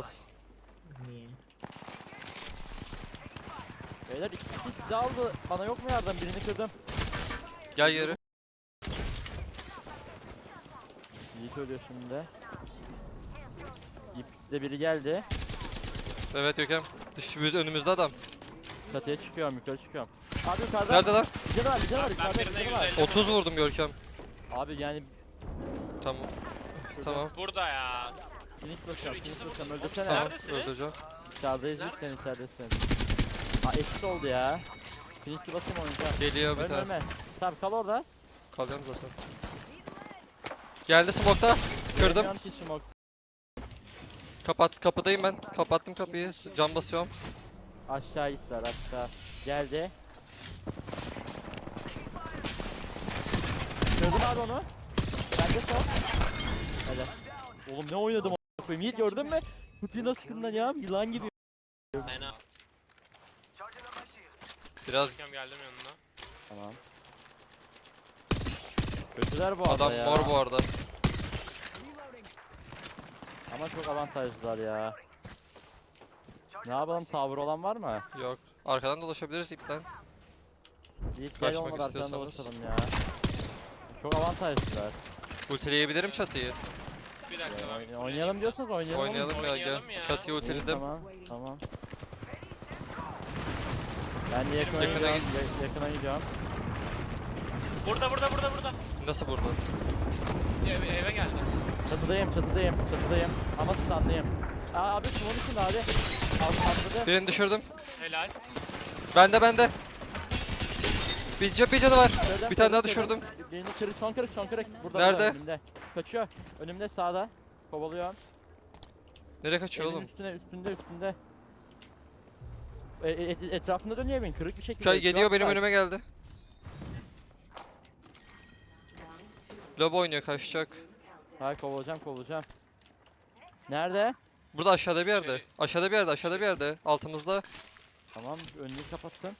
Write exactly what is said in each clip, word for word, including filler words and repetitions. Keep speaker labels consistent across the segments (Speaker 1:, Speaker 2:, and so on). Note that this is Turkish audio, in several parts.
Speaker 1: az.
Speaker 2: Niye?
Speaker 3: Beyler iki kişi sizi aldı. Bana yok mu yardım? Birini kırdım.
Speaker 1: Gel yeri.
Speaker 3: Yiğit ölüyor şimdi. Yiğit'te biri geldi.
Speaker 1: Evet Görkem. Dış yüz önümüzde adam.
Speaker 3: Çatıya çıkıyorum, yukarı çıkıyorum. Abi yukarıda.
Speaker 1: Nerede lan?
Speaker 3: Bir canı var, bir canı var.
Speaker 2: Ben
Speaker 3: Yukarıda bir
Speaker 2: birine
Speaker 3: canı var.
Speaker 2: yüz elli
Speaker 1: otuz vurdum Görkem.
Speaker 3: Abi yani
Speaker 1: Tamam. Tamam.
Speaker 2: Burada ya.
Speaker 3: Phoenix
Speaker 2: Şurada
Speaker 3: basacağım,
Speaker 2: ikisi
Speaker 3: Phoenix
Speaker 2: burada.
Speaker 3: basacağım.
Speaker 2: Oğlum,
Speaker 3: Öldürsene.
Speaker 1: Tamam.
Speaker 2: Neredesiniz?
Speaker 1: Öldüreceğim.
Speaker 3: İçerideyiz biz, sen
Speaker 2: Neredesin?
Speaker 3: içeridesin. Aa eşit oldu ya. Phoenix'i basayım oynayacağım.
Speaker 1: Geliyor bir
Speaker 3: Ölme
Speaker 1: tanesi.
Speaker 3: ölme. Tamam kal orada.
Speaker 1: Kalıyorum zaten. Geldi smoke'ta. Kırdım.
Speaker 3: Göremiyorum ki smoke.
Speaker 1: Kapat, kapıdayım ben. Kapattım kapıyı. Cam basıyorum.
Speaker 3: Aşağı gittiler aşağı. Geldi. Gördün abi onu. Bende son. Hadi. Oğlum ne oynadım o koyayım. Yiğit gördün mü? Kutuyu nasıl kırdın ya? Yılan gibi.
Speaker 2: Fena.
Speaker 1: Biraz
Speaker 2: Görkem geldim yanına.
Speaker 3: Tamam. Kötüler bu arada
Speaker 1: adam
Speaker 3: ya.
Speaker 1: mor bu arada.
Speaker 3: Ama çok avantajlılar ya. Ne yapalım, tavır olan var mı?
Speaker 1: Yok. Arkadan dolaşabiliriz ipten.
Speaker 3: Yiğit gel
Speaker 1: Kaçmak
Speaker 3: olmadı arkadan
Speaker 1: istiyorsanız.
Speaker 3: dolaşalım ya. Çok avantajlılar.
Speaker 1: Ultileyebilirim çatıyı.
Speaker 2: Bir dakika ben bir
Speaker 3: Oyn- oynayalım diyorsanız oynayalım.
Speaker 1: Oynayalım ya gel.
Speaker 2: Oynayalım ya.
Speaker 1: Çatıyı
Speaker 3: İyi,
Speaker 1: ultiledim.
Speaker 3: tamam, tamam. Ben de yakına
Speaker 2: Yakına
Speaker 3: gidiyorum, ya- yakına gidiyorum.
Speaker 2: Burada burada burada burada.
Speaker 1: Nasıl burada?
Speaker 2: Eve, eve geldi.
Speaker 3: Çatıdayım, çatıdayım, çatıdayım. Ama standayım. Aa abi şunun içinde abi. Alt atladı.
Speaker 1: Birini düşürdüm.
Speaker 2: Helal.
Speaker 1: Bende bende. Bir, ca- bir canı var.
Speaker 3: Kırdım,
Speaker 1: Bir tane daha
Speaker 3: kırdım, kırdım.
Speaker 1: düşürdüm.
Speaker 3: Birini kırık, son kırık, son kırık. Burada,
Speaker 1: Nerede?
Speaker 3: burada, önümde. Kaçıyor. Önümde sağda. Kovalıyor.
Speaker 1: Nereye kaçıyor
Speaker 3: Evin
Speaker 1: oğlum?
Speaker 3: üstüne, üstünde, üstünde. E, e, et- etrafında dönüyor evin, kırık bir şekilde.
Speaker 1: Kay
Speaker 3: Şu
Speaker 1: geliyor
Speaker 3: an
Speaker 1: benim
Speaker 3: var.
Speaker 1: önüme geldi. Lobo oynuyor kaçacak.
Speaker 3: Hayır kovalayacağım, kovalayacağım. Nerede?
Speaker 1: Burada aşağıda bir yerde.
Speaker 2: Şey-
Speaker 1: Aşağıda bir yerde, aşağıda bir yerde. Altımızda.
Speaker 3: Tamam, önünü kapattım.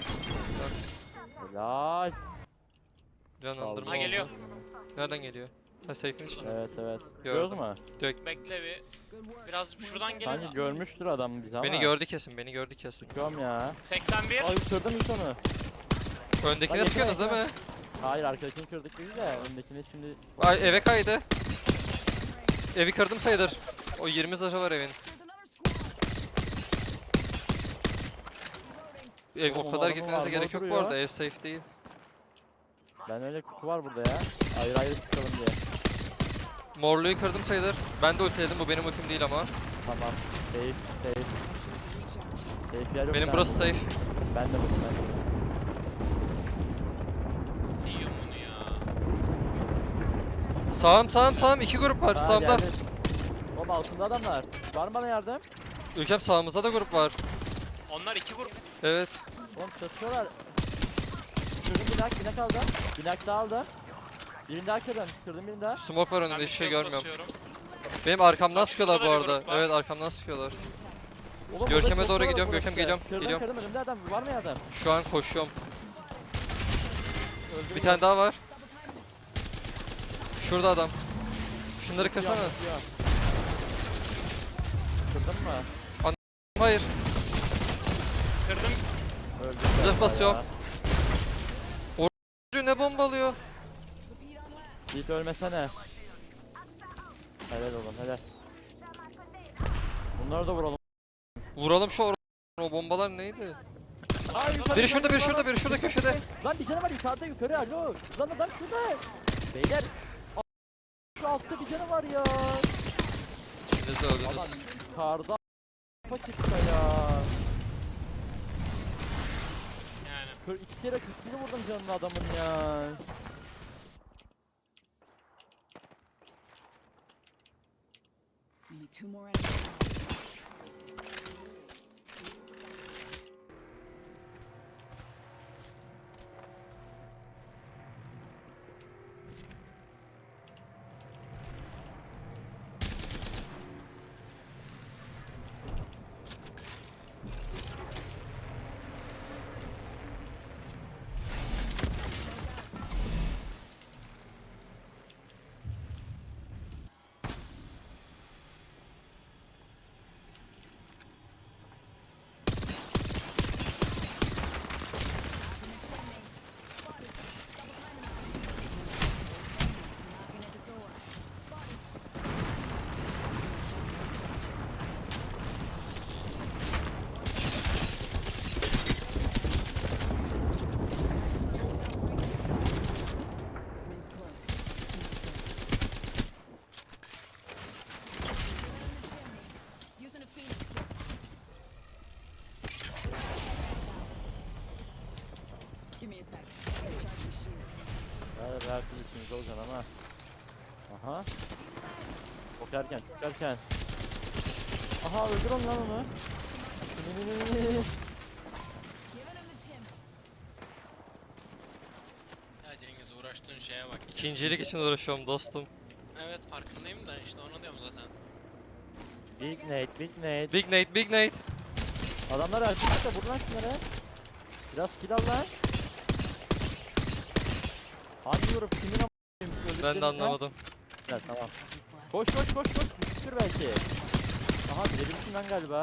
Speaker 3: Helal.
Speaker 1: Canlandırma
Speaker 2: Ha geliyor.
Speaker 1: oldu. Nereden geliyor? Ha safe'in içinde.
Speaker 3: Evet, evet.
Speaker 1: Gördüm.
Speaker 3: Gördün mü?
Speaker 2: Bekle bir. Biraz şuradan gelin.
Speaker 3: Sanki görmüştür adam bizi ama.
Speaker 1: Beni gördü kesin, beni gördü kesin.
Speaker 3: Çıkıyorum ya.
Speaker 2: seksen bir.
Speaker 3: Ay kırdım ilk onu.
Speaker 1: Öndekine
Speaker 3: Lan
Speaker 1: sıkıyorsunuz
Speaker 3: yakına,
Speaker 1: değil mi?
Speaker 3: Hayır, arkadakini kırdık biz de. Öndekini şimdi...
Speaker 1: Ay eve kaydı. Evi kırdım sayılır. O yirmi zırhı var evin. Ev o
Speaker 3: Oğlum,
Speaker 1: kadar
Speaker 3: adamın
Speaker 1: gitmenize
Speaker 3: armor
Speaker 1: gerek yok bu
Speaker 3: duruyor.
Speaker 1: arada. Ev safe değil.
Speaker 3: Ben öyle kutu var burada ya. Ayrı ayrı çıkalım diye.
Speaker 1: Morluğu kırdım sayılır. Ben de ultiledim. Bu benim ultim değil ama.
Speaker 3: Tamam. Safe, safe. Safe yer yok.
Speaker 1: Benim
Speaker 3: lan.
Speaker 1: burası safe.
Speaker 3: Ben de buldum ben.
Speaker 2: Yiyorum bunu ya.
Speaker 1: Sağım sağım sağım. iki grup var
Speaker 3: Ha,
Speaker 1: sağımda.
Speaker 3: geldi. Oğlum altında adamlar. Var mı bana yardım?
Speaker 1: Ülkem sağımızda da grup var.
Speaker 2: Onlar iki grup.
Speaker 1: Evet.
Speaker 3: Oğlum çatışıyorlar. Kırdım bir nak, bir nak aldım. Bir nak daha aldım. Birini daha kırdım. Kırdım birini daha.
Speaker 1: Smoke var
Speaker 2: Ben
Speaker 1: önümde
Speaker 2: bir
Speaker 1: hiçbir şey
Speaker 2: shield
Speaker 1: görmüyorum.
Speaker 2: basıyorum.
Speaker 1: Benim arkamdan
Speaker 2: Bak,
Speaker 1: sıkıyorlar bu
Speaker 2: şurada da bir
Speaker 1: arada.
Speaker 2: grup var.
Speaker 1: Evet arkamdan sıkıyorlar.
Speaker 3: Oğlum,
Speaker 1: Görkem'e
Speaker 3: burada
Speaker 1: doğru
Speaker 3: çatışıyorlar
Speaker 1: gidiyorum,
Speaker 3: burası.
Speaker 1: Görkem geliyorum,
Speaker 3: Kırdım,
Speaker 1: geliyorum.
Speaker 3: Kırdım önümde adam. Var mı ya adam?
Speaker 1: Şu an koşuyorum.
Speaker 3: Öldüm
Speaker 1: Bir tane daha var. Şurada adam. Şunları kırsana.
Speaker 3: Kırdın mı?
Speaker 1: Hayır.
Speaker 2: Kırdım.
Speaker 3: Öldüm.
Speaker 1: Zırh
Speaker 3: galiba
Speaker 1: basıyorum.
Speaker 3: ya.
Speaker 1: Ne bombalıyor?
Speaker 3: Yiğit ölmesene. Helal oğlum, helal. Bunları da vuralım.
Speaker 1: Vuralım şu or- o bombalar neydi?
Speaker 3: Ay, yukarı,
Speaker 1: Biri şurada, biri
Speaker 3: yukarı,
Speaker 1: şurada, biri şurada
Speaker 3: yukarı.
Speaker 1: köşede.
Speaker 3: Lan bir canı var yukarıda, yukarı, alo. Lan adam şurada. Beyler. a- Şu altta bir canı var ya.
Speaker 1: İkiniz de
Speaker 3: Adam
Speaker 1: öldünüz.
Speaker 3: yukarıda. Patikta ya.
Speaker 2: Yani.
Speaker 3: Kır, iki kere kırk bir vurdum canını adamın ya.
Speaker 4: Only two more enemies. sec. Recharging shields.
Speaker 3: Hadi her türlü üstünüzde olacaksın ama. Aha. Çok erken, çok erken. Aha öldür onu lan onu.
Speaker 4: Giving him the shim.
Speaker 2: Ya Cengiz uğraştığın şeye bak.
Speaker 1: İkincilik için uğraşıyorum dostum.
Speaker 2: Evet farkındayım da işte onu diyorum zaten.
Speaker 3: Big Nate, Big Nate.
Speaker 1: Big Nate, Big Nate.
Speaker 3: Adamlar açmışsa vur lan şunları. Biraz kill al lan. Hangi vurup kimin am***yim?
Speaker 1: Ben de anlamadım.
Speaker 3: Evet tamam.
Speaker 4: This last
Speaker 3: Koş koş koş koş. Düşür belki. Aha bilebilirsin lan galiba.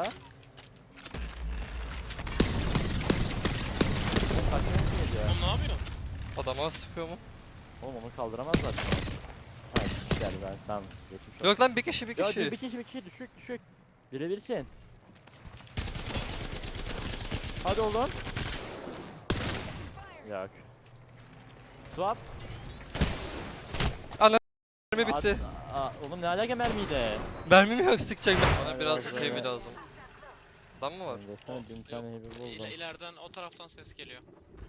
Speaker 3: Oğlum kaçmaya mı geliyor?
Speaker 2: Oğlum ne yapıyorsun?
Speaker 1: Adama sıkıyor mu?
Speaker 3: Oğlum onu kaldıramazlar şu an. Hayır güzel ben tamam. Geçmiş olsun.
Speaker 1: Yok lan bir kişi bir
Speaker 3: Ya
Speaker 1: kişi.
Speaker 3: bir kişi bir kişi düşük düşük. Birebirsin. Hadi oğlum. Yok. Swap.
Speaker 1: Mermi bitti.
Speaker 3: Aa, aa, oğlum ne alaka mermiydi?
Speaker 1: Mermim yok sıkacak. Bana
Speaker 3: Hadi
Speaker 1: biraz
Speaker 3: bakalım.
Speaker 1: heavy lazım. Adam mı var?
Speaker 3: Ben de sana bin tane heavy buldum.
Speaker 2: İle, ileriden o taraftan ses geliyor.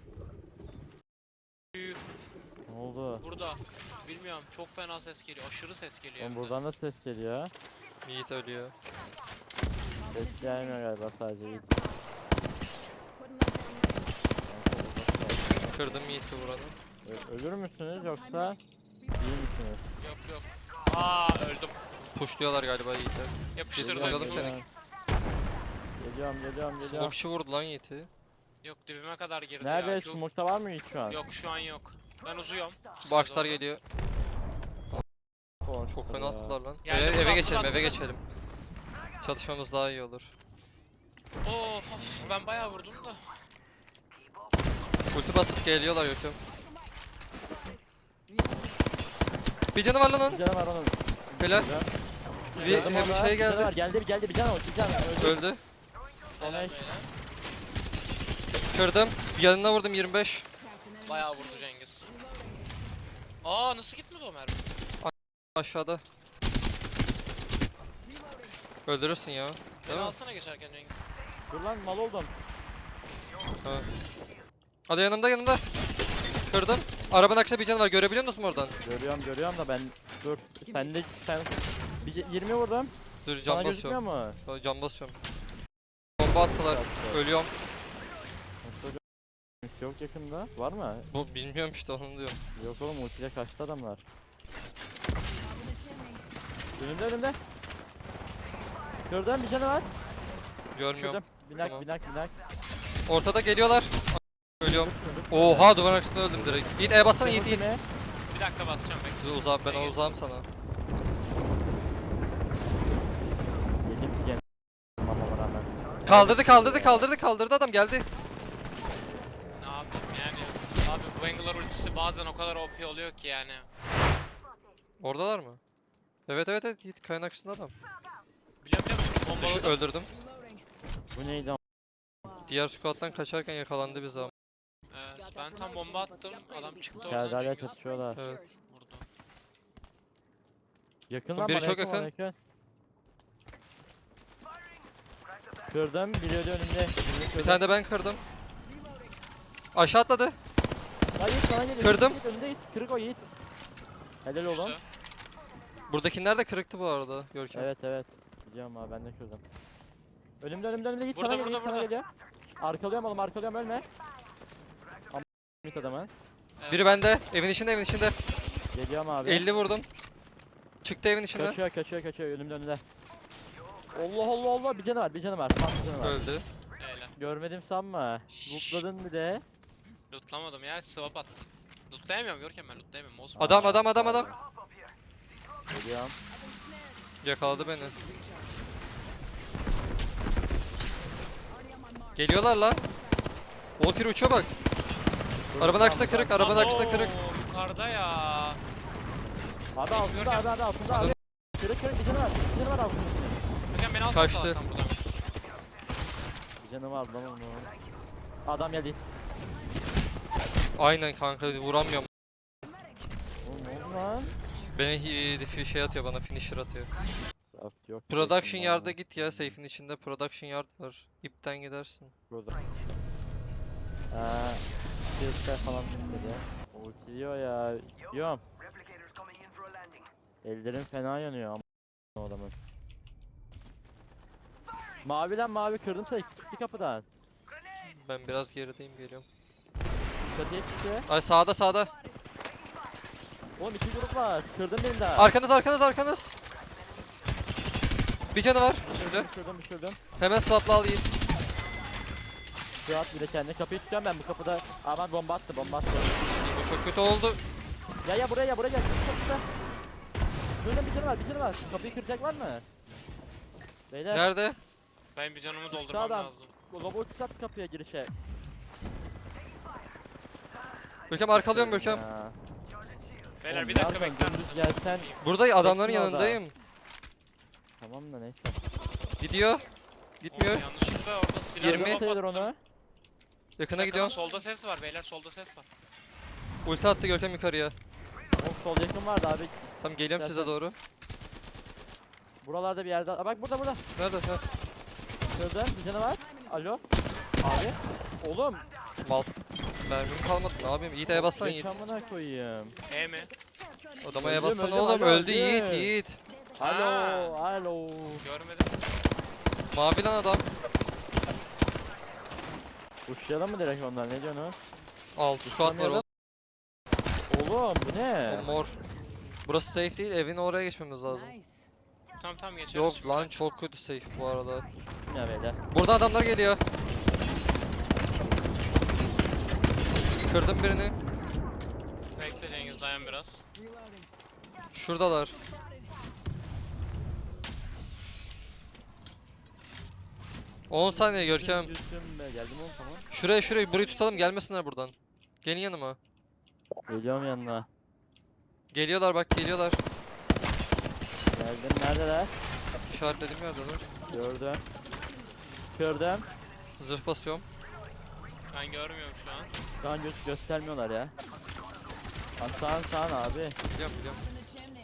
Speaker 2: Büyür.
Speaker 3: Ne oldu?
Speaker 2: Burada. Bilmiyorum çok fena ses geliyor. Aşırı ses geliyor.
Speaker 3: Oğlum
Speaker 2: hem de.
Speaker 3: buradan da ses geliyor.
Speaker 1: Yiğit ölüyor.
Speaker 3: Ses gelmiyor galiba sadece iyi.
Speaker 4: putting them down.
Speaker 1: Kırdım Yiğit'i buranın.
Speaker 3: Ö- ölür müsünüz yoksa iyi misiniz?
Speaker 2: Yok yok. Aa öldüm.
Speaker 1: Pushluyorlar galiba Yiğit'e.
Speaker 2: Yapıştırdım.
Speaker 1: Bakalım
Speaker 2: Yok,
Speaker 1: seni.
Speaker 3: Geliyorum geliyorum geliyorum.
Speaker 1: Smokeçi vurdu lan Yiğit'i.
Speaker 2: Yok dibime kadar girdi
Speaker 3: Nerede?
Speaker 2: ya.
Speaker 3: Smoke'ta var mı hiç şu an?
Speaker 2: Yok şu an yok. Ben uzuyum.
Speaker 1: Boxlar geliyor.
Speaker 3: Korktu
Speaker 1: Çok fena
Speaker 3: ya.
Speaker 1: attılar lan.
Speaker 2: Geldi,
Speaker 1: Eve, eve
Speaker 2: attılar,
Speaker 1: geçelim, eve
Speaker 2: attılar.
Speaker 1: geçelim. Çatışmamız daha iyi olur.
Speaker 2: Of of ben bayağı vurdum da.
Speaker 1: Ulti basıp geliyorlar Gökhan. Bir canı var lan onun.
Speaker 3: Bir canı var onun.
Speaker 1: Helal.
Speaker 3: Güzel.
Speaker 1: Bir,
Speaker 3: Gördüm
Speaker 1: hem bir
Speaker 3: orada,
Speaker 1: şey
Speaker 3: bir canı
Speaker 1: geldi.
Speaker 3: var. Geldi bir geldi bir canı var. Bir canı öldü.
Speaker 1: Öldü.
Speaker 2: Helal
Speaker 3: Helal.
Speaker 2: beyler.
Speaker 1: Kırdım. Yanına vurdum yirmi beş.
Speaker 4: Cracked an enemy
Speaker 2: Bayağı
Speaker 4: shield.
Speaker 2: vurdu Cengiz. Aa nasıl gitmedi o mermi?
Speaker 1: Aşağıda. Öldürürsün ya.
Speaker 2: Beni
Speaker 1: Değil mi?
Speaker 2: alsana geçerken Cengiz.
Speaker 3: Dur lan mal oldum.
Speaker 1: Ha. Hadi yanımda yanımda. Kırdım. Arabanın arkasında bir canı var. Görebiliyor musun oradan?
Speaker 3: Görüyorum görüyorum da ben dur. Sen de sen bir yirmi vurdum.
Speaker 1: Dur
Speaker 3: Sana
Speaker 1: cam
Speaker 3: gözükmüyor
Speaker 1: basıyorum.
Speaker 3: mu?
Speaker 1: Cam basıyorum. Bomba attılar. Ölüyorum.
Speaker 3: Yok yakında. Var mı?
Speaker 1: Bu bilmiyorum işte onu diyorum.
Speaker 3: Yok oğlum ultiyle kaçtı adamlar.
Speaker 4: Top of the chimney.
Speaker 3: Önümde önümde. Gördün bir canı var.
Speaker 1: Görmüyorum.
Speaker 3: Şurada. Binak
Speaker 1: Tamam.
Speaker 3: binak binak.
Speaker 1: Ortada geliyorlar. Ölüyorum.
Speaker 3: Şurada.
Speaker 1: Oha duvarın arkasında öldüm direkt. Yiğit E bassana Yiğit Yiğit.
Speaker 3: Ultime.
Speaker 2: Bir dakika basacağım bekle.
Speaker 1: Dur uzağım ben
Speaker 2: Cengiz.
Speaker 1: uzağım sana.
Speaker 3: Yedim ki gene. Mama rağmen.
Speaker 1: Kaldırdı kaldırdı kaldırdı kaldırdı adam geldi.
Speaker 2: Ne yapayım yani. Abi bu Angular ultisi bazen o kadar O P oluyor ki yani.
Speaker 1: Oradalar mı? Evet evet evet Yiğit kayanın arkasında adam.
Speaker 2: Biliyorum biliyorum.
Speaker 1: Düşü,
Speaker 2: Bombaladım.
Speaker 1: öldürdüm.
Speaker 4: Reloading.
Speaker 3: Bu neydi? am-
Speaker 1: Diğer squat'tan kaçarken yakalandı bize ama.
Speaker 2: Evet ben tam bomba attım. Adam çıktı
Speaker 3: Gel
Speaker 2: oradan
Speaker 3: hala
Speaker 2: Cengiz.
Speaker 3: çatışıyorlar.
Speaker 1: Evet.
Speaker 2: Vurdu.
Speaker 3: Yakın
Speaker 1: Oğlum
Speaker 3: lan
Speaker 1: biri
Speaker 3: bana
Speaker 1: çok
Speaker 3: yakın, bana
Speaker 1: yakın.
Speaker 3: yakın. Kırdım biri öyle önümde. Birini
Speaker 1: Bir
Speaker 3: kırdım.
Speaker 1: tane de ben kırdım. Aşağı atladı.
Speaker 3: Lan Yiğit sana geliyor.
Speaker 1: Kırdım.
Speaker 3: Yiğit, önünde Yiğit. Kırık o Yiğit. Helal oğlum.
Speaker 2: Düştü.
Speaker 1: Buradakiler de kırıktı bu arada Görkem.
Speaker 3: Evet evet. Biliyorum abi ben de kırdım. Önümde önümde önümde Yiğit
Speaker 2: Burada,
Speaker 3: sana geliyor.
Speaker 2: burada,
Speaker 3: Yiğit sana
Speaker 2: burada.
Speaker 3: geliyor. Arkalıyorum oğlum arkalıyorum ölme. Ama Yiğit adamı.
Speaker 2: Evet.
Speaker 1: Biri bende. Evin içinde evin içinde.
Speaker 3: Geliyorum abi.
Speaker 1: elli vurdum. Çıktı evin içinde.
Speaker 3: Kaçıyor kaçıyor kaçıyor önümde önümde. Allah Allah Allah bir canı var bir canı var. Tam bir canı var.
Speaker 1: Öldü.
Speaker 2: Öyle.
Speaker 3: Görmedim sanma. Lootladın bir de.
Speaker 2: Lootlamadım ya swap attım. Lootlayamıyorum Görkem ben lootlayamıyorum. Mouse
Speaker 1: Adam adam adam adam.
Speaker 3: Geliyorum.
Speaker 1: Yakaladı beni.
Speaker 4: Already on my mark.
Speaker 1: Geliyorlar lan. Walker uçuyor bak. Arabanın arkasında kırık, arabanın arkasında kırık.
Speaker 2: Oo, yukarıda ya.
Speaker 3: Abi altında abi abi altında abi. Kırık kırık bir canı var. Bir canı var altında.
Speaker 2: Görkem beni alsana
Speaker 1: Kaçtı.
Speaker 2: salaktan buradan.
Speaker 3: Bir canı var lan onun. Adam geldi.
Speaker 1: Aynen kanka vuramıyorum.
Speaker 3: Oğlum ne oldu lan?
Speaker 1: Beni hi- fi- şey atıyor bana finisher atıyor.
Speaker 3: Craft yok.
Speaker 1: Production
Speaker 3: Kesin
Speaker 1: yard'a
Speaker 3: var.
Speaker 1: git ya safe'in içinde production yard var. İpten gidersin.
Speaker 3: Burada. Ee, Ultiler falan dedi. Ultiliyor ya. Yiyorum. Ellerim fena yanıyor ama adamın. Maviden mavi kırdım seni. Bir kapıdan.
Speaker 1: Ben biraz gerideyim, geliyorum.
Speaker 3: Çatıya çıktı.
Speaker 1: Ay sağda sağda.
Speaker 3: Oğlum iki grup var. Kırdım birini daha.
Speaker 1: Arkanız arkanız arkanız. Bir canı var. Şöyle.
Speaker 3: Düşürdüm düşürdüm.
Speaker 1: Hemen swapla al Yiğit.
Speaker 3: Suat bir de kendine kapıyı tutuyorum ben bu kapıda. Aman bomba attı bomba attı.
Speaker 1: Bu çok kötü oldu.
Speaker 3: Ya ya buraya ya buraya gel. Çok güzel. Şurada bir canı var bir canı var. Kapıyı kıracak var mı? Beyler.
Speaker 1: Nerede?
Speaker 2: Ben bir canımı doldurmam
Speaker 3: Sağdan.
Speaker 2: lazım.
Speaker 3: Lobo tutat kapıya girişe.
Speaker 1: Görkem arkalıyorum Görkem.
Speaker 3: Ya.
Speaker 2: Beyler
Speaker 3: Oğlum
Speaker 2: bir dakika
Speaker 3: nereden
Speaker 2: bekler
Speaker 3: dümdüz
Speaker 2: misin?
Speaker 3: gelsen-
Speaker 1: Burada adamların
Speaker 3: Bekle orada.
Speaker 1: yanındayım.
Speaker 3: Tamam da neyse.
Speaker 1: Gidiyor. Gitmiyor.
Speaker 2: Oğlum yanlışlıkla orada silah
Speaker 1: Yirmi.
Speaker 2: smoke
Speaker 3: Sayılır
Speaker 2: attım.
Speaker 3: onu.
Speaker 1: Yakına
Speaker 2: Bakın,
Speaker 1: gidiyorum.
Speaker 2: Solda ses var beyler, solda ses var.
Speaker 1: Ulti attı Görkem yukarıya.
Speaker 3: O sol yakın vardı abi.
Speaker 1: Tamam geliyorum size
Speaker 3: Zaten-
Speaker 1: doğru.
Speaker 3: Buralarda bir yerde. Aa, bak burada burada.
Speaker 1: Nerede? Ha.
Speaker 3: Şurada bir canı var. Alo. Abi. Oğlum.
Speaker 1: Mal. Mermim kalmadı. Ne yapayım? Yiğit E'ye bassana Yiğit.
Speaker 3: Yaşamına koyayım.
Speaker 2: E mi?
Speaker 1: Odama E'ye
Speaker 3: Öldüm,
Speaker 1: bassana
Speaker 3: öldüm,
Speaker 1: oğlum.
Speaker 3: alo,
Speaker 1: Öldü
Speaker 3: öldüm.
Speaker 1: Yiğit Yiğit.
Speaker 3: Alo.
Speaker 2: Ha.
Speaker 3: Alo.
Speaker 2: Görmedim.
Speaker 1: Mavi lan adam.
Speaker 3: Uçlayalım mı direkt ondan ne diyorsun?
Speaker 1: Altı squad var oğlum.
Speaker 3: Oğlum bu ne?
Speaker 1: O mor. Burası safe değil. Evin oraya geçmemiz lazım.
Speaker 4: Nice.
Speaker 2: Tamam tamam geçeriz.
Speaker 1: Yok
Speaker 2: şimdi.
Speaker 1: lan çok kötü safe bu arada.
Speaker 3: Ya beyler.
Speaker 1: Burada adamlar geliyor. Kırdım birini.
Speaker 2: Bekle Cengiz, dayan biraz.
Speaker 1: Şuradalar. on saniye Görkem.
Speaker 3: Yüzüm be. Geldim oğlum tamam.
Speaker 1: Şuraya şuraya burayı tutalım, gelmesinler buradan. Gelin yanıma.
Speaker 3: Geliyorum yanına.
Speaker 1: Geliyorlar bak, geliyorlar.
Speaker 3: Geldim neredeler?
Speaker 1: İşaretlediğim yerdeler.
Speaker 3: Gördüm. Kırdım.
Speaker 1: Zırh basıyorum.
Speaker 2: Ben görmüyorum şu an.
Speaker 3: Şu an göz göstermiyorlar ya. Lan sağın sağın abi.
Speaker 1: Biliyorum biliyorum.
Speaker 4: In the chimney.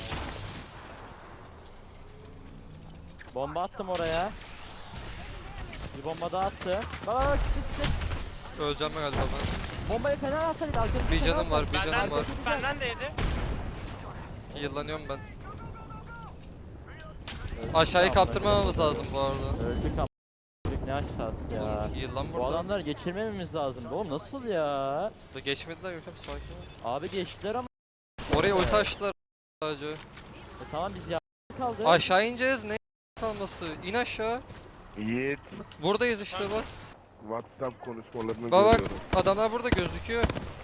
Speaker 3: Bomba attım oraya. Bir bomba daha attım. Bak bak bak çık çık.
Speaker 1: Öleceğim ben galiba ben.
Speaker 3: Bombayı fena alsaydı arkamızda.
Speaker 1: Bir
Speaker 3: fena
Speaker 1: canım var,
Speaker 3: alsaydı.
Speaker 1: bir
Speaker 2: Benden,
Speaker 1: canım var.
Speaker 2: benden de yedi.
Speaker 1: Yıllanıyorum ben.
Speaker 3: Öldük
Speaker 1: Aşağıyı
Speaker 3: ya,
Speaker 1: kaptırmamamız
Speaker 3: amına
Speaker 1: lazım bu arada.
Speaker 3: koyayım. Öldük am- Öldük ne aşağısı ya.
Speaker 1: Oğlum yıllan
Speaker 3: Bu
Speaker 1: burada.
Speaker 3: adamları geçirmememiz lazım. Oğlum nasıl ya?
Speaker 1: Da geçmediler Görkem, sakin ol.
Speaker 3: Abi geçtiler ama.
Speaker 1: Oraya ulti açtılar sadece.
Speaker 3: E, tamam biz ya kaldı.
Speaker 1: Aşağı ineceğiz, ne kalması? İn aşağı.
Speaker 5: Yiğit,
Speaker 1: Buradayız işte bak.
Speaker 5: WhatsApp konuşmalarını
Speaker 1: Bak bak,
Speaker 5: görüyorum.
Speaker 1: adamlar burada gözüküyor.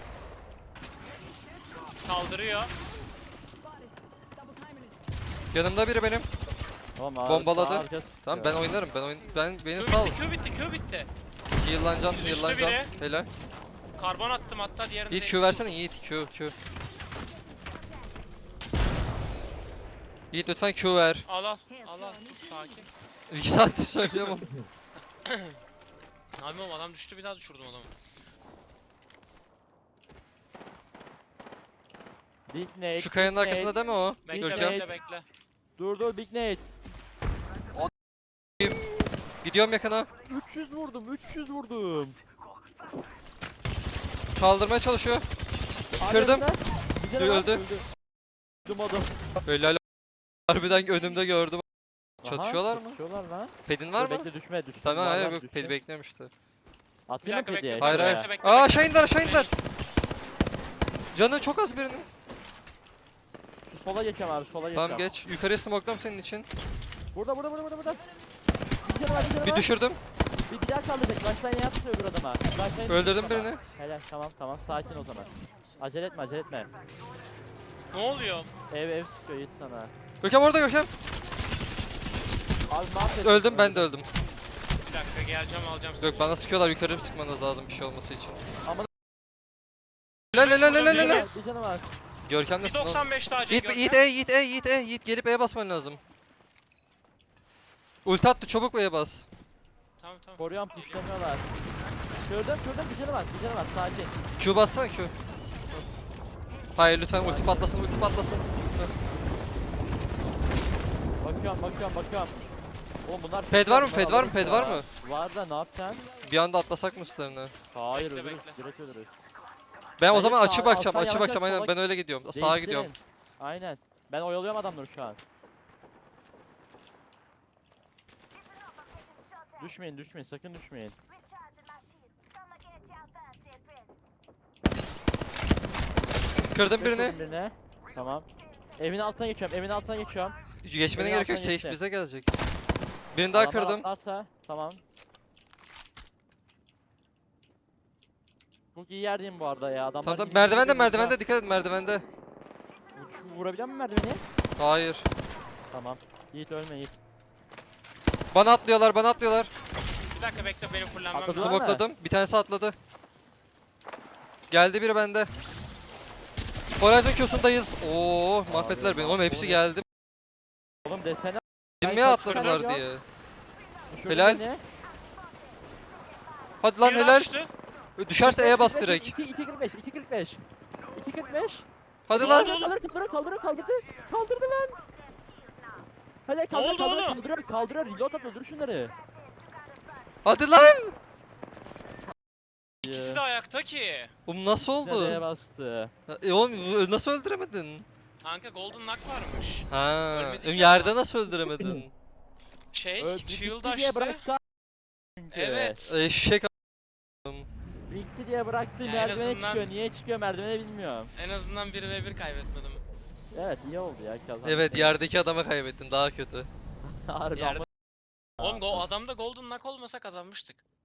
Speaker 2: Kaldırıyor.
Speaker 4: Double timing it.
Speaker 1: Yanımda biri benim.
Speaker 3: Tamam, abi,
Speaker 1: bombaladı.
Speaker 3: sağ arkası
Speaker 1: Tamam
Speaker 3: tutuyor.
Speaker 1: ben oynarım, ben oyun ben beni
Speaker 2: Q
Speaker 1: sal.
Speaker 2: bitti, Q bitti, Q bitti.
Speaker 1: Yıllanacağım,
Speaker 2: Düştü
Speaker 1: yıllanacağım.
Speaker 2: biri.
Speaker 1: Helal.
Speaker 2: Karbon attım hatta diğerini
Speaker 1: Yiğit
Speaker 2: de-
Speaker 1: Q versene Yiğit, Q Q. Yiğit lütfen Q ver.
Speaker 2: Al al, al al. Dur, sakin.
Speaker 1: İki saattir söylüyorum.
Speaker 2: Abi oğlum adam düştü, bir daha düşürdüm adamı.
Speaker 3: Big Nate.
Speaker 1: Şu kayanın
Speaker 3: Big
Speaker 1: arkasında
Speaker 3: Nate.
Speaker 1: değil mi o?
Speaker 2: Bekle
Speaker 1: Görkem.
Speaker 2: bekle bekle.
Speaker 3: Dur dur Big Nate.
Speaker 1: Gidiyorum yakına.
Speaker 3: üç yüz vurdum üç yüz vurdum.
Speaker 1: Kaldırmaya çalışıyor.
Speaker 3: Abi
Speaker 1: Kırdım.
Speaker 3: öldüler. Bir canı var,
Speaker 1: Öldü.
Speaker 3: Öldüm adam.
Speaker 1: Helal. Harbiden önümde gördüm.
Speaker 3: Aha,
Speaker 1: Çatışıyorlar mı?
Speaker 3: Çatışıyorlar lan.
Speaker 1: Pedin var
Speaker 3: Dur,
Speaker 1: mı?
Speaker 3: Bekle düşme düşme.
Speaker 1: Tamam
Speaker 3: Var,
Speaker 1: hayır
Speaker 3: var,
Speaker 1: yok,
Speaker 3: düşme.
Speaker 1: pedi bekliyorum işte.
Speaker 2: Bir
Speaker 3: Atayım mı
Speaker 2: dakika
Speaker 3: pediye?
Speaker 2: bekle,
Speaker 1: Hayır
Speaker 2: Bekle,
Speaker 1: hayır.
Speaker 2: bekle,
Speaker 1: Aa
Speaker 2: bekle.
Speaker 1: aşağı indiler, aşağı indiler. Canı çok az birinin.
Speaker 3: Şu sola geçeceğim abi sola geçeceğim.
Speaker 1: Tamam geç. Yukarıya smoke'lam senin için.
Speaker 3: Burada burada burada burada burada. Bir canı var bir canı
Speaker 1: Bir
Speaker 3: var.
Speaker 1: düşürdüm.
Speaker 3: Bir, bir daha kaldıracak. Baştan yapsın öbür adama. Baştan
Speaker 1: Öldürdüm
Speaker 3: yapsın
Speaker 1: birini.
Speaker 3: Helal tamam tamam sakin o zaman. Acele etme acele etme.
Speaker 2: Ne oluyor?
Speaker 3: Ev ev sıkıyor Yiğit sana.
Speaker 1: Görkem orada Görkem.
Speaker 3: Abi mahvettin.
Speaker 1: Öldüm, ben de öldüm.
Speaker 2: Bir dakika geleceğim, alacağım seni.
Speaker 1: Yok bana sıkıyorlar, yukarı sıkmanız lazım bir şey olması için.
Speaker 3: Ama-
Speaker 1: Helal helal helal
Speaker 3: Bir canı
Speaker 1: helal.
Speaker 3: var, Bir canı var.
Speaker 1: Görkem
Speaker 2: Bir
Speaker 1: nesin oğlum?
Speaker 2: doksan beş daha Cenk
Speaker 1: Yiğit, Yiğit E, Yiğit E, Yiğit E, Yiğit gelip E'ye basman lazım. Ulti attı, çabuk E'ye bas.
Speaker 2: Tamam tamam.
Speaker 3: Koruyan puşlanıyorlar. Gördüm gördüm bir canı var bir canı var sakin.
Speaker 1: Q bassana Q. Hayır lütfen ulti patlasın, ulti patlasın.
Speaker 3: Bakıyorum bakıyorum bakıyorum. Oğlum bunlar
Speaker 1: Ped var mı?
Speaker 3: bunlar
Speaker 1: Ped var mı?
Speaker 3: alırız
Speaker 1: Ped var
Speaker 3: ya.
Speaker 1: mı?
Speaker 3: Var da ne yapacaksın?
Speaker 1: Bir anda atlasak mı üstlerine?
Speaker 3: Hayır
Speaker 2: Bekle,
Speaker 3: ölürüz.
Speaker 2: bekle.
Speaker 3: Direkt ölürüz.
Speaker 1: Ben o
Speaker 3: Bence
Speaker 1: zaman açı
Speaker 3: sağ-
Speaker 1: bakacağım,
Speaker 3: alttan
Speaker 1: açı
Speaker 3: yavaş
Speaker 1: bakacağım
Speaker 3: yavaş
Speaker 1: aynen.
Speaker 3: sola
Speaker 1: Ben öyle gidiyorum. Sağa
Speaker 3: Değiştirin.
Speaker 1: gidiyorum.
Speaker 3: Aynen. Ben oyalıyorum adamları şu an. Düşmeyin düşmeyin sakın düşmeyin.
Speaker 1: Kırdım birini.
Speaker 3: Geçiyorum birine. Tamam. Evin altına geçiyorum evin altına geçiyorum.
Speaker 1: Geçmene
Speaker 3: Beni
Speaker 1: gerek yok.
Speaker 3: alttan
Speaker 1: Safe
Speaker 3: geçti.
Speaker 1: bize gelecek. Birini daha
Speaker 3: Adamlar
Speaker 1: kırdım.
Speaker 3: atlarsa tamam. Çok iyi yerdeyim bu arada ya. Adamlar
Speaker 1: Tamam tamam.
Speaker 3: yirmi
Speaker 1: Merdivende
Speaker 3: yirmi
Speaker 1: merdivende
Speaker 3: vuracak.
Speaker 1: dikkat et merdivende.
Speaker 3: Şu vurabiliyor musun merdiveni?
Speaker 1: Hayır.
Speaker 3: Tamam. Yiğit ölme Yiğit.
Speaker 1: Bana atlıyorlar, bana atlıyorlar.
Speaker 2: Bir dakika bekle benim fullenmem
Speaker 3: Atladı
Speaker 2: lazım.
Speaker 3: mı?
Speaker 1: Smokladım. Bir tanesi atladı. Geldi biri bende. Horizon Q'sundayız. Oo, mahvettiler
Speaker 3: Abi,
Speaker 1: beni. Oğlum hepsi
Speaker 3: mahvoldu.
Speaker 1: geldi.
Speaker 3: Oğlum desene.
Speaker 1: Bilmeye
Speaker 3: kaç
Speaker 1: atladılar
Speaker 3: tane
Speaker 1: diye.
Speaker 3: düşürdün
Speaker 1: Helal.
Speaker 3: beni.
Speaker 1: Hadi lan
Speaker 2: Biri daha
Speaker 1: helal.
Speaker 2: düştü.
Speaker 1: Düşerse E'ye bas direkt.
Speaker 3: iki kırk beş iki kırk beş iki kırk beş
Speaker 1: Hadi
Speaker 2: Ne
Speaker 1: lan.
Speaker 2: oldu?
Speaker 3: Kaldır kaldır kaldır kaldırdı. Kaldırdı lan. Hadi kaldır
Speaker 2: oldu
Speaker 3: kaldır
Speaker 2: oğlum?
Speaker 3: kaldırıyor kaldırıyor reload at öldür şunları.
Speaker 1: Hadi lan.
Speaker 2: İkisi de ayakta ki.
Speaker 1: Oğlum nasıl
Speaker 3: Nereye
Speaker 1: oldu?
Speaker 3: bastı?
Speaker 1: E oğlum nasıl öldüremedin?
Speaker 2: Kanka golden knock varmış.
Speaker 1: Ha,
Speaker 2: Ölmedi ki
Speaker 1: yerde
Speaker 2: ama.
Speaker 1: nasıl öldüremedin?
Speaker 2: Şey,
Speaker 3: Öldü,
Speaker 2: shield
Speaker 3: bitti diye
Speaker 2: açtı.
Speaker 3: bıraktı. Çünkü.
Speaker 2: Evet.
Speaker 1: Eşek a-
Speaker 3: Bitti diye bıraktı
Speaker 2: Ya en
Speaker 3: merdivene
Speaker 2: azından-
Speaker 3: çıkıyor. Niye çıkıyor merdivene bilmiyorum.
Speaker 2: En azından bir ve bir kaybetmedim.
Speaker 3: Evet iyi oldu ya kazandık.
Speaker 1: Evet yerdeki adama kaybettin daha kötü.
Speaker 3: Harbi
Speaker 2: Yerde-
Speaker 3: ama-
Speaker 2: Oğlum go adamda golden knock olmasa kazanmıştık.